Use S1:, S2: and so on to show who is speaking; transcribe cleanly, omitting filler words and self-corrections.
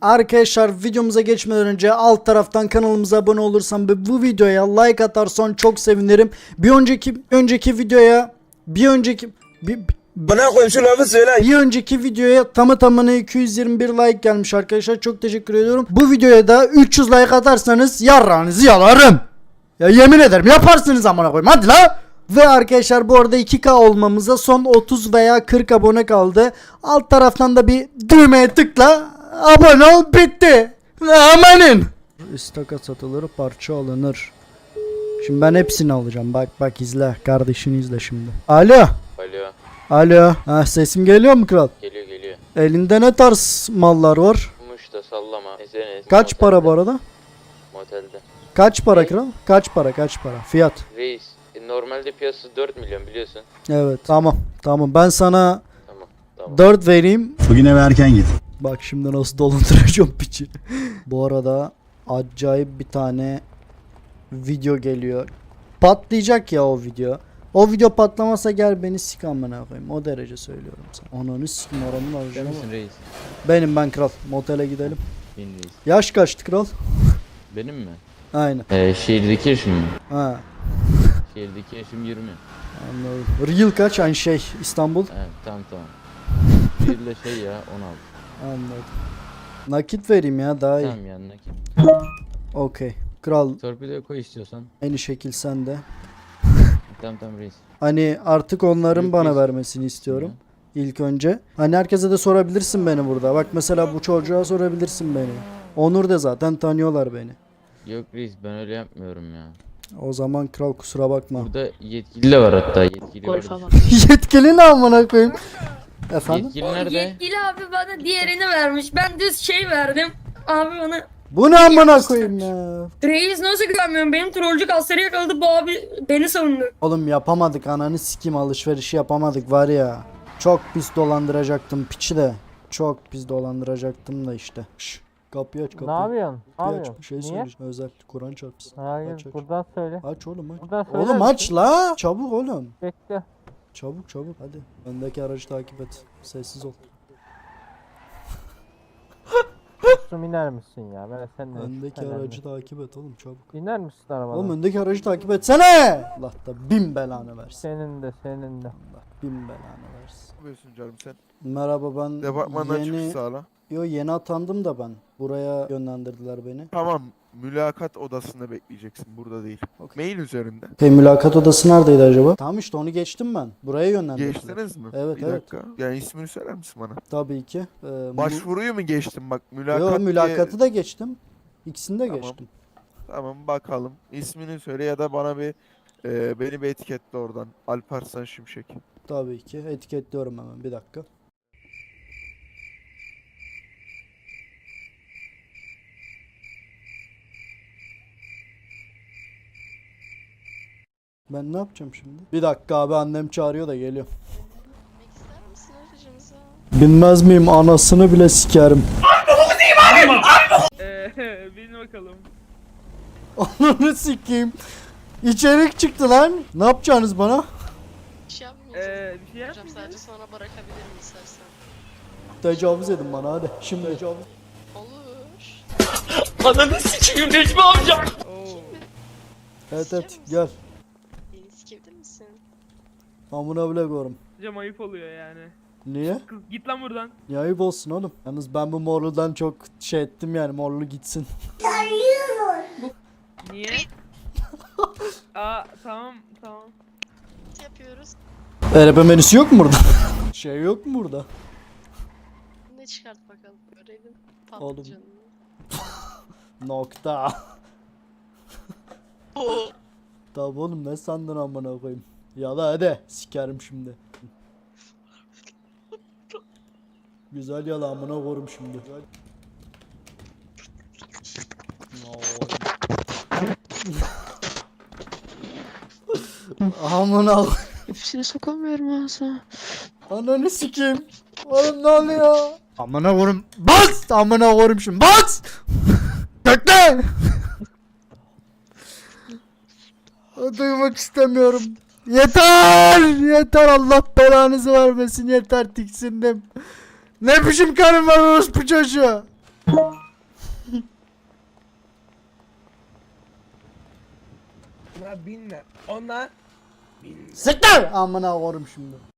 S1: Arkadaşlar videomuza geçmeden önce alt taraftan kanalımıza abone olursan ve bu videoya like atarsan çok sevinirim. Bir önceki videoya
S2: Bana koyayım şu lafı söyle.
S1: bir önceki videoya tamına 221 like gelmiş arkadaşlar. Çok teşekkür ediyorum. Bu videoya da 300 like atarsanız yarrağınızı yalarım. Ya yemin ederim yaparsınız amına koyayım. Hadi la. Ve arkadaşlar bu arada 2K olmamıza son 30 veya 40 abone kaldı. Alt taraftan da bir düğmeye tıkla. Abone ol, bitti. Amanın. İstakat satılır, parça alınır. Şimdi ben hepsini alacağım. Bak izle. Kardeşini izle şimdi. Alo.
S3: Alo.
S1: Alo. Ha, sesim geliyor mu kral?
S3: Geliyor.
S1: Elinde ne tarz mallar var?
S3: Muş da sallama. Ezene.
S1: Kaç para bu arada?
S3: Motelde.
S1: Kaç para kral? Kaç para? Fiyat.
S3: Reis. Normalde piyasası 4 milyon biliyorsun.
S1: Evet. Tamam. Ben sana
S3: Tamam.
S1: 4 vereyim.
S4: Bugün eve erken git.
S1: Bak şimdi nasıl dolandıracağım piçi. Bu arada acayip bir tane video geliyor. Patlayacak ya o video. O video patlamasa gel beni sik amına koyayım. O derece söylüyorum sana. Ananı sikim oranın alacağım.
S3: reis?
S1: Ben kral. Motele gidelim.
S3: Benim reis.
S1: Yaş kaçtı kral?
S3: Benim mi?
S1: Aynen.
S3: Şehirdeki yaşım mı?
S1: Ha.
S3: Şehirdeki yaşım 20.
S1: Anladım. Real kaç? Aynı şey İstanbul.
S3: Evet tamam. Bir de ya 16.
S1: Anladım. Nakit vereyim ya daha iyi.
S3: Tamam yanına kim?
S1: Okey. Kral
S3: Torpidoya koy istiyorsan.
S1: aynı şekil sen de.
S3: Tamam reis.
S1: Hani artık onların
S3: Büyük
S1: bana
S3: reis.
S1: vermesini istiyorum. İlk önce. Hani herkese de sorabilirsin beni burada. Bak mesela bu çocuğa sorabilirsin beni. Onur da zaten tanıyorlar beni.
S3: Yok reis ben öyle yapmıyorum ya.
S1: O zaman kral kusura bakma.
S3: Burada yetkili de var hatta. Yetkili var.
S1: Yetkili ne amına koyayım? Efendim?
S3: Yetkili nerede?
S5: Yetkili abi bana diğerini vermiş. Ben düz şey verdim. Abi bana
S1: Bu ne amına koyayım ya?
S5: reis nasıl güvenmiyorum? Benim trollcü kasları yakaladı. Bu abi beni savundu.
S1: Oğlum yapamadık ananı sikim alışverişi yapamadık var ya. Çok pis dolandıracaktım piçi de. Çok pis dolandıracaktım da işte. Şş, kapıyı aç kapıyı.
S6: Ne yapıyorsun? Ne
S1: Kapıyı aç.
S6: yapıyorsun?
S1: Bir şey
S6: Niye?
S1: söyleyeceğim. Özel Kur'an çarpsın.
S6: Hayır,
S1: Aç.
S6: buradan söyle.
S1: Aç oğlum aç.
S6: Buradan söyler
S1: Oğlum
S6: misin?
S1: aç la. Çabuk oğlum.
S6: Bekle.
S1: Çabuk hadi. Öndeki aracı takip et. Sessiz ol.
S6: Kusum iner misin ya? Ben seninle.
S1: Öndeki
S6: önemli.
S1: aracı takip et oğlum çabuk.
S6: İner misin arabadan?
S1: Oğlum öndeki aracı takip etsene. Allah da bin belanı versin.
S6: Senin de.
S1: Allah bin belanı versin.
S2: Ne yapıyorsun canım sen?
S1: Merhaba ben
S2: Departmandan çıkış sağla.
S1: yeni atandım da ben. Buraya yönlendirdiler beni.
S2: Tamam. Mülakat odasında bekleyeceksin. Burada değil.
S1: Okey.
S2: Mail üzerinde.
S1: Mülakat odası neredeydi acaba? Tamam işte onu geçtim ben. Buraya yönlendirdiler.
S2: Geçtiniz mi?
S1: Evet,
S2: Bir
S1: evet.
S2: dakika. Yani ismini söyler misin bana?
S1: Tabii ki.
S2: Başvuruyu mu geçtin bak mülakat
S1: Yo,
S2: diye-
S1: mülakatı da geçtim. İkisini de
S2: Tamam.
S1: geçtim.
S2: Tamam bakalım. İsmini söyle ya da bana beni bir etiketle oradan. Alparslan Şimşek.
S1: Tabii ki. Etiketliyorum hemen bir dakika. Ben ne yapacağım şimdi? Bir dakika abi annem çağırıyor da geliyorum.
S7: Binmek ister misin aracımıza?
S1: Bilmez miyim anasını bile sikerim.
S8: Bin bakalım.
S1: Ananı sikeyim. İçerik çıktı lan. Ne yapacaksınız bana?
S7: Bir şey yapmayacağız.
S8: Bir şey
S7: Hocam sadece sana bırakabilirim istersen.
S1: Tecavüz edin bana hadi. Şimdi tecavüz.
S7: Olur.
S8: Oo.
S1: Evet gel.
S7: Beni sikebilir misin?
S1: Amına bile korum.
S8: Hocam ayıp oluyor yani.
S1: Niye?
S8: Kız git lan buradan.
S1: Ya ayıp olsun oğlum. Yalnız ben bu morludan çok şey ettim yani morlu gitsin.
S8: Niye? Aa tamam.
S7: Ne yapıyoruz?
S1: Erebe menüsü yok mu burada? Şey yok mu burada?
S7: Ne çıkart bakalım görelim.
S1: Oğlum.
S7: Patlıcanını.
S1: Nokta.
S7: Oo.
S1: Tamam oğlum ne sandın amına koyayım. Ya da hadi sikerim şimdi. Güzel yala amına koyayım şimdi. Amına koyayım.
S7: Hepsini sokamıyorum ağzına.
S1: Ananı sikeyim. Oğlum ne oluyor? Amına koyayım. Bas! Amına koyayım şimdi. Bas! Bekle! Duymak istemiyorum. Yeter Allah belanızı vermesin yeter tiksindim. Ne biçim karım var orospu çocuğu?
S4: Buna binme. Ona
S1: Siktir! Amına korum şimdi.